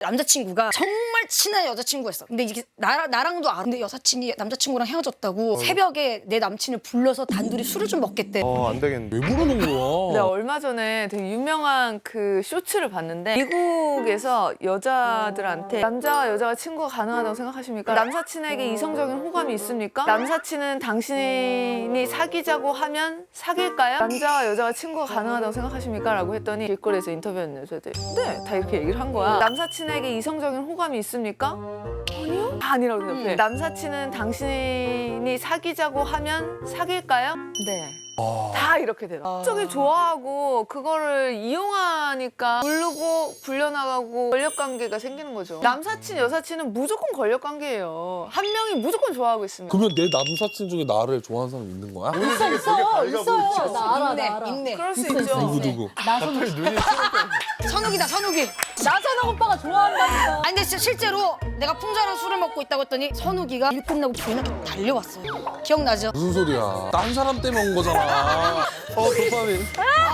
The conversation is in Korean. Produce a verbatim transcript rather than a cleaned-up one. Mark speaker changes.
Speaker 1: 남자친구가 정말 친한 여자친구였어. 근데 이게 나, 나랑도 알아. 근데 여사친이 남자친구랑 헤어졌다고 새벽에 내 남친을 불러서 단둘이 술을 좀 먹겠대.
Speaker 2: 어, 안 되겠네.
Speaker 3: 왜 부르는 거야?
Speaker 4: 내가 얼마 전에 되게 유명한 그 쇼츠를 봤는데 미국에서 여자들한테 남자와 여자가 친구가 가능하다고 생각하십니까? 남사친에게 이성적인 호감이 있습니까? 남사친은 당신이 사귀자고 하면 사귈까요? 남자와 여자가 친구가 가능하다고 생각하십니까? 라고 했더니 길거리에서 인터뷰했는데 저희들이 네! 다 이렇게 얘기를 한 거야. 남사친에게 이성적인 호감이 있습니까? 아니요? 다 아니라고 대답해. 남사친은 당신이 사귀자고 하면 사귈까요? 네. 다 이렇게 대답. 쪽이 좋아하고 그거를 이용하니까 부르고 불려나가고 권력관계가 생기는 거죠. 남사친, 여사친은 무조건 권력관계예요. 한 명이 무조건 좋아하고 있습니다.
Speaker 3: 그러면 내 남사친 중에 나를 좋아하는 사람이 있는 거야?
Speaker 5: 있어 있어 있어요. 나 알아
Speaker 1: 있네,
Speaker 5: 나 알아.
Speaker 1: 있네.
Speaker 4: 그럴 수
Speaker 5: 있어,
Speaker 4: 있죠.
Speaker 5: 있어.
Speaker 3: 누구 누구?
Speaker 5: 나선호
Speaker 1: 선욱이다, 선욱이.
Speaker 5: 나선호 오빠가 좋아한다니까.
Speaker 1: 아니 근데 진짜 실제로 내가 풍자랑 술을 먹고 있다고 했더니 선욱이가 일 끝나고 교회한테 달려왔어요. 기억나죠?
Speaker 3: 무슨 소리야? 딴 사람 때문에 온 거잖아. 어 도파민.